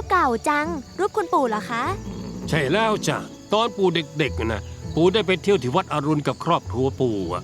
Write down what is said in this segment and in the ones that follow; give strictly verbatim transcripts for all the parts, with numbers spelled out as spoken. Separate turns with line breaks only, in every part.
เก่าจังรูปคุณปู่เหรอคะ
ใช่แล้วจ้ะตอนปู่เด็กๆนะปู่ได้ไปเที่ยวที่วัดอรุณกับครอบครัวปู่อะ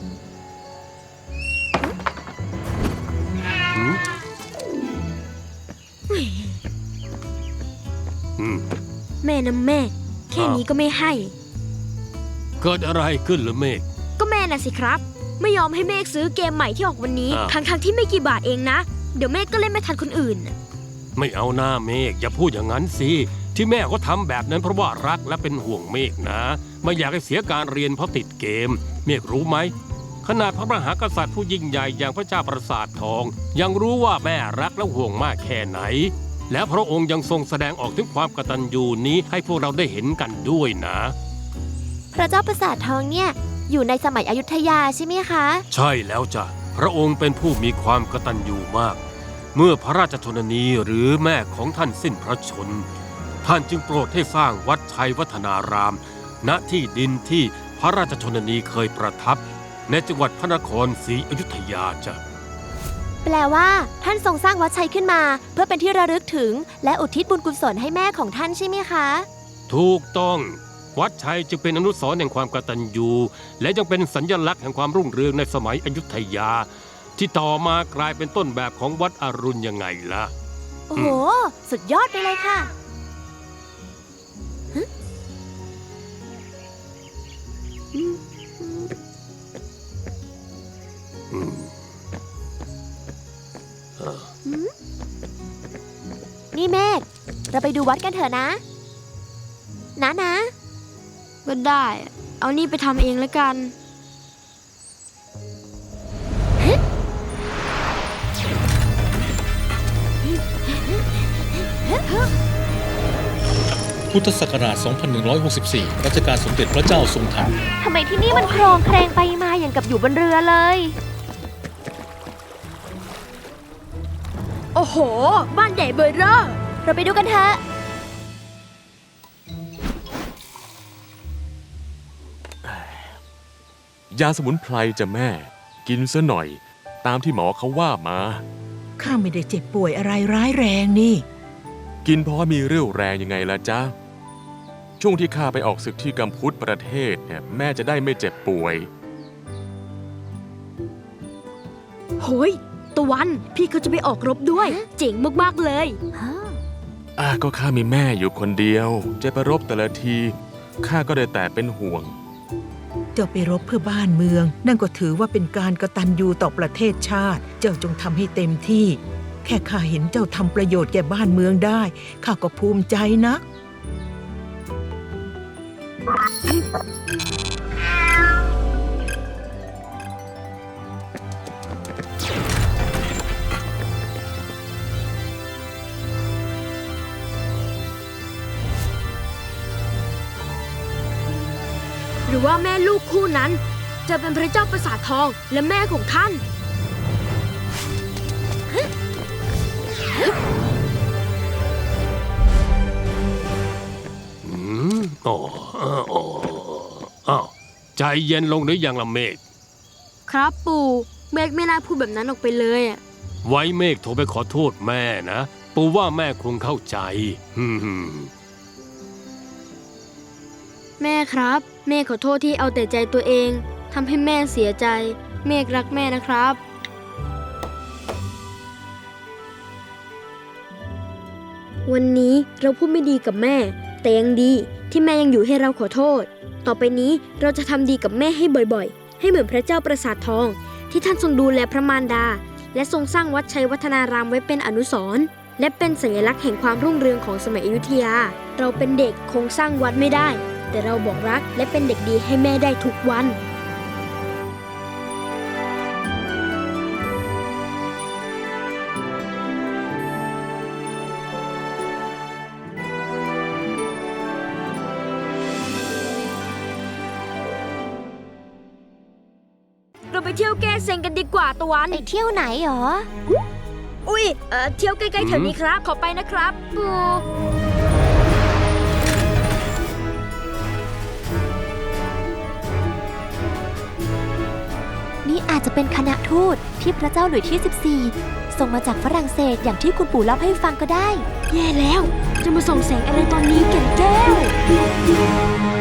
แม่นะแม่แค่นี้ก็ไม่ให้
เกิดอะไรขึ้นหรือเมฆ
ก็แม่น่ะสิครับไม่ยอมให้เมฆซื้อเกมใหม่ที่ออกวันนี้ทั้งๆที่ไม่กี่บาทเองนะเดี๋ยวเมฆก็เล่นไม่ทันคนอื่น
ไม่เอาหน้าเมฆอย่าพูดอย่างนั้นสิที่แม่เขาทำแบบนั้นเพราะว่ารักและเป็นห่วงเมฆนะไม่อยากให้เสียการเรียนเพราะติดเกมเมฆรู้ไหมขนาดพระมหากษัตริย์ผู้ยิ่งใหญ่อย่างพระเจ้าปราสาททองยังรู้ว่าแม่รักและห่วงมากแค่ไหนและพระองค์ยังทรงแสดงออกถึงความกตัญญูนี้ให้พวกเราได้เห็นกันด้วยนะ
พระเจ้าปราสาททองเนี่ยอยู่ในสมัยอยุธยาใช่ไหมคะ
ใช่แล้วจ้ะพระองค์เป็นผู้มีความกตัญญูมากเมื่อพระราชชนนีหรือแม่ของท่านสิ้นพระชนท่านจึงโปรดให้สร้างวัดชัยวัฒนารามณที่ดินที่พระราชชนนีเคยประทับในจังหวัดพระนครศรีอยุธยาจ้ะ
แปลว่าท่านทรงสร้างวัดชัยขึ้นมาเพื่อเป็นที่ระลึกถึงและอุทิศบุญกุศลให้แม่ของท่านใช่ไหมคะ
ถูกต้องวัดชัยจึงเป็นอนุสรณ์แห่งความกตัญญูและยังเป็นสัญลักษณ์แห่งความรุ่งเรืองในสมัยอยุธยาที่ต่อมากลายเป็นต้นแบบของวัดอรุณยังไงล่ะ
โอ้โหสุดยอดไปเลยค่ะนี่เมฆเราไปดูวัดกันเถอะนะนะนะ
ก็ได้เอานี่ไปทำเองแล้วกัน
พุทธศักราช สองพันหนึ่งร้อยหกสิบสี่ รัชกาลสมเด็จพระเจ้าทรงธรรม
ทำไมที่นี่มันโครงเครงไปมาอย่างกับอยู่บนเรือเลย
โอ้โหบ้านใหญ่เบอร์เร่อ
เราไปดูกันเถอะ
ยาสมุนไพรจะแม่กินซะหน่อยตามที่หมอเขาว่ามา
ข้าไม่ได้เจ็บป่วยอะไรร้ายแรงนี่
กินเพราะมีเรี่ยวแรงยังไงล่ะจ๊ะช่วงที่ข้าไปออกศึกที่กัมพูชประเทศเนี่ยแม่จะได้ไม่เจ็บป่วย
โหยตะวันพี่เขาจะไปออกรบด้วยเจ๋งมากๆเลย
อ่ะก็ข้ามีแม่อยู่คนเดียวจะไปรบแต่ละทีข้าก็ได้แต่เป็นห่วง
เจ้าไปรบเพื่อบ้านเมืองนั่นก็ถือว่าเป็นการกตัญญูต่อประเทศชาติเจ้าจงทำให้เต็มที่แค่ข้าเห็นเจ้าทำประโยชน์แก่บ้านเมืองได้ข้าก็ภูมิใจนะ
หรือว่าแม่ลูกคู่นั้นจะเป็นพระเจ้าปราสาททองและแม่ของท่าน
อืมอ๋ออ๋ออ้าวใจเย็นลงหรือยังล่ะเมฆ
ครับปู่เมฆไม่น่าพูดแบบนั้นออกไปเลยอ่ะ
ไว้เมฆโทรไปขอโทษแม่นะปู่ว่าแม่คงเข้าใจฮึม
แม่ครับเมฆขอโทษที่เอาแต่ใจตัวเองทำให้แม่เสียใจเมฆรักแม่นะครับวันนี้เราพูดไม่ดีกับแม่แต่ยังดีที่แม่ยังอยู่ให้เราขอโทษต่อไปนี้เราจะทำดีกับแม่ให้บ่อยๆให้เหมือนพระเจ้าปราสาททองที่ท่านทรงดูแลพระมารดาและทรงสร้างวัดชัยวัฒนารามไว้เป็นอนุสรณ์และเป็นสัญลักษณ์แห่งความรุ่งเรืองของสมัยอยุธยาเราเป็นเด็กคงสร้างวัดไม่ได้แต่เราบอกรักและเป็นเด็กดีให้แม่ได้ทุกวันเราไปเที่ยวแก้เซ็งกันดีกว่าตะวัน
ไปเที่ยวไหนหรอ
อุ้ยเอ่อเที่ยวใกล้ๆแถวนี้ครับขอไปนะครับปู่
นี่อาจจะเป็นคณะทูตที่พระเจ้าหลุยส์ที่สิบสี่ส่งมาจากฝรั่งเศสอย่างที่คุณปู่เล่าให้ฟังก็ได้
แย่แล้ว จะมาส่องแสงอะไรตอนนี้แก่นแก้ว